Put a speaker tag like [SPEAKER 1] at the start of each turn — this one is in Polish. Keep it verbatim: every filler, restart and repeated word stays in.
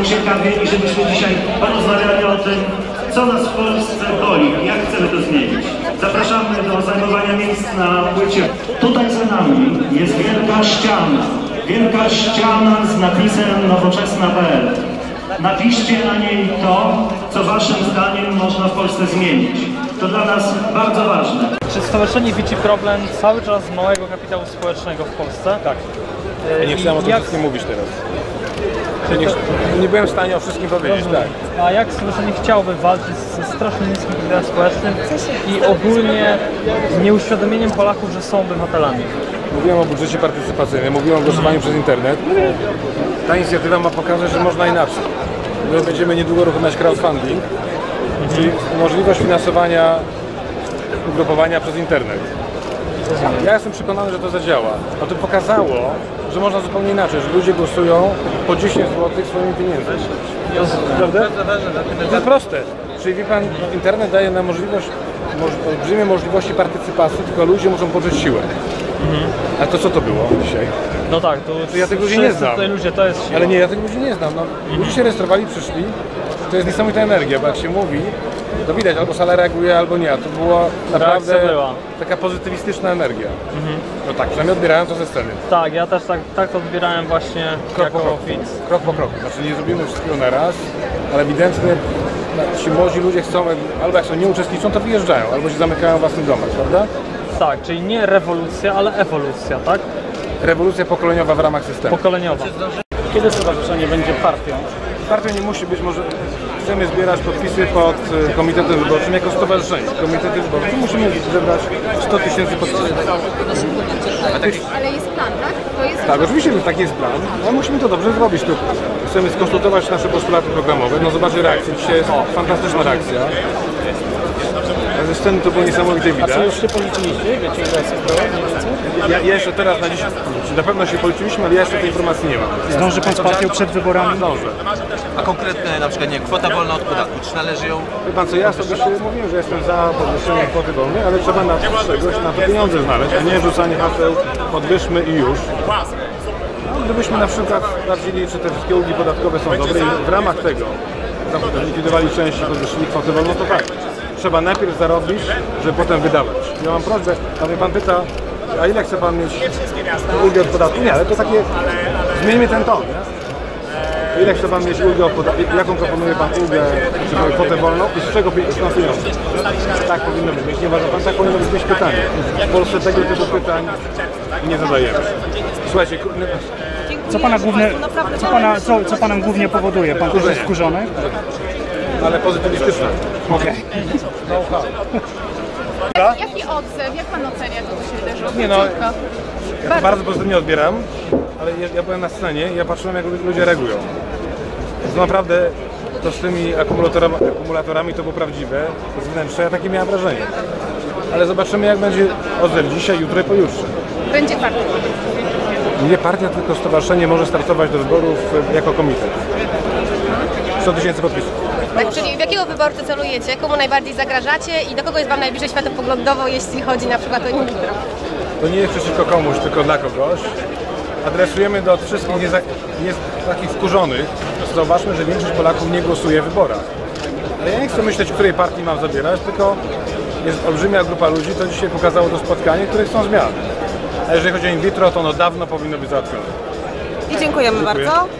[SPEAKER 1] ciekawie i żebyśmy dzisiaj porozmawiali o tym, co nas w Polsce boli i jak chcemy to zmienić. Zapraszamy do zajmowania miejsc na płycie. Tutaj za nami jest wielka ściana. Wielka ściana z napisem nowoczesna kropka p l. Napiszcie na niej to, co waszym zdaniem można w Polsce zmienić. To dla nas bardzo ważne.
[SPEAKER 2] Czy stowarzyszenie widzi problem cały czas małego kapitału społecznego w Polsce?
[SPEAKER 3] Tak. Ja nie chciałem o tym jak... wszystkim mówić teraz. Ja nie, nie byłem w stanie o wszystkim powiedzieć. Tak.
[SPEAKER 2] A jak stowarzyszenie chciałoby walczyć ze strasznie niskim kapitałem społecznym i ogólnie z nieuświadomieniem Polaków, że są obywatelami?
[SPEAKER 3] Mówiłem o budżecie partycypacyjnym, mówiłem o głosowaniu przez internet. Ta inicjatywa ma pokazać, że można inaczej. My będziemy niedługo uruchamiać crowdfunding, mhm. czyli możliwość finansowania ugrupowania przez internet. Ja jestem przekonany, że to zadziała. A to pokazało, że można zupełnie inaczej, że ludzie głosują po dziesięć złotych swoimi pieniędzmi. Prawda? To jest proste. Czyli wie pan, internet daje nam możliwość, moż, olbrzymie możliwości partycypacji, tylko ludzie muszą poczuć siłę. Mhm. A to co to było dzisiaj?
[SPEAKER 2] No tak, to,
[SPEAKER 3] to ja tych ludzi nie znam.
[SPEAKER 2] Ludzie, to jest siła.
[SPEAKER 3] Ale nie, ja tych ludzi nie znam. No, mhm. Ludzie się rejestrowali, przyszli. To jest niesamowita energia, bo jak się mówi, to widać, albo sala reaguje, albo nie. To była naprawdę taka pozytywistyczna energia. Mhm. No tak, przynajmniej odbierałem to ze sceny.
[SPEAKER 2] Tak, ja też tak, tak to odbierałem właśnie
[SPEAKER 3] krok
[SPEAKER 2] jako
[SPEAKER 3] po kroku.
[SPEAKER 2] widz.
[SPEAKER 3] Krok po kroku. Znaczy nie zrobimy wszystkiego na raz, ale ewidentnie ci młodzi ludzie chcą, albo jak są nie uczestniczą, to wyjeżdżają, albo się zamykają w własnych domach, prawda?
[SPEAKER 2] Tak, czyli nie rewolucja, ale ewolucja, tak?
[SPEAKER 3] Rewolucja pokoleniowa w ramach systemu.
[SPEAKER 2] Pokoleniowa.
[SPEAKER 4] Kiedy stowarzyszenie będzie partią?
[SPEAKER 3] Partią nie musi być, może chcemy zbierać podpisy pod komitetem wyborczym jako stowarzyszenie. Komitety wyborcze musimy zebrać sto tysięcy podpisów.
[SPEAKER 5] Ale jest plan, tak? To jest
[SPEAKER 3] tak, oczywiście taki jest plan, ale musimy to dobrze zrobić. Tu chcemy skonsultować nasze postulaty programowe, no zobaczcie reakcję. Dzisiaj jest fantastyczna reakcja. Ze sceny to było niesamowite widać.
[SPEAKER 4] A co już się policzyliście? Wiecie, ile jest było?
[SPEAKER 3] Ja, ja jeszcze teraz na dziś, na pewno się policzyliśmy, ale ja jeszcze tej informacji nie mam.
[SPEAKER 4] Zdąży pan z partią przed wyborami?
[SPEAKER 3] Zdążę.
[SPEAKER 6] A konkretne na przykład nie, kwota wolna od podatku, czy należy ją...
[SPEAKER 3] Wie pan co, ja sobie się mówiłem, że jestem za podwyższeniem kwoty wolnej, ale trzeba na czegoś, na to pieniądze znaleźć, a nie rzucanie haseł, podwyższmy i już. No, gdybyśmy na przykład sprawdzili, czy te wszystkie ulgi podatkowe są dobre i w ramach tego likwidowali część i podwyższyli kwotę wolną, to tak. Trzeba najpierw zarobić, żeby potem wydawać. Ja mam prośbę, a mnie pan pyta, a ile chce pan mieć ulgę od podatku? Nie, ale to takie, zmieńmy ten ton. Nie? Ile chce pan mieć ulgę od podatku? Jaką proponuje pan ulgę, czy kwotę wolną i z czego są pieniądze? Tak powinno być. Nie uważa pan, tak powinno być pytanie. W Polsce tego typu pytań nie zadajemy. Słuchajcie,
[SPEAKER 4] co pana głównie, co pana, co, co panem głównie powoduje? Pan też jest wkurzony?
[SPEAKER 3] Ale pozytywistyczne.
[SPEAKER 4] Okej.
[SPEAKER 5] Okay. Jaki odzew? Jak pan ocenia to, co się wydarzyło?
[SPEAKER 3] Nie no, ja to bardzo pozytywnie odbieram, ale ja, ja byłem na scenie i ja patrzyłem, jak ludzie reagują. To naprawdę to z tymi akumulatorami, akumulatorami to było prawdziwe, z wnętrza, ja takie miałem wrażenie. Ale zobaczymy, jak będzie odzew dzisiaj, jutro i pojutrze.
[SPEAKER 5] Będzie partia.
[SPEAKER 3] Nie partia, tylko stowarzyszenie może startować do wyborów jako komitet. sto tysięcy podpisów.
[SPEAKER 7] Tak, czyli w jakiego wyborcę celujecie, komu najbardziej zagrażacie i do kogo jest wam najbliżej światopoglądowo, jeśli chodzi na przykład o in vitro?
[SPEAKER 3] To nie jest przeciwko komuś, tylko dla kogoś. Adresujemy do wszystkich nie, nie, takich wkurzonych. Zauważmy, że większość Polaków nie głosuje w wyborach. Ale ja nie chcę myśleć, której partii mam zabierać, tylko jest olbrzymia grupa ludzi, to dzisiaj pokazało to spotkanie, które chcą zmian. A jeżeli chodzi o in vitro, to ono dawno powinno być załatwione.
[SPEAKER 7] I dziękujemy Dziękuję. bardzo.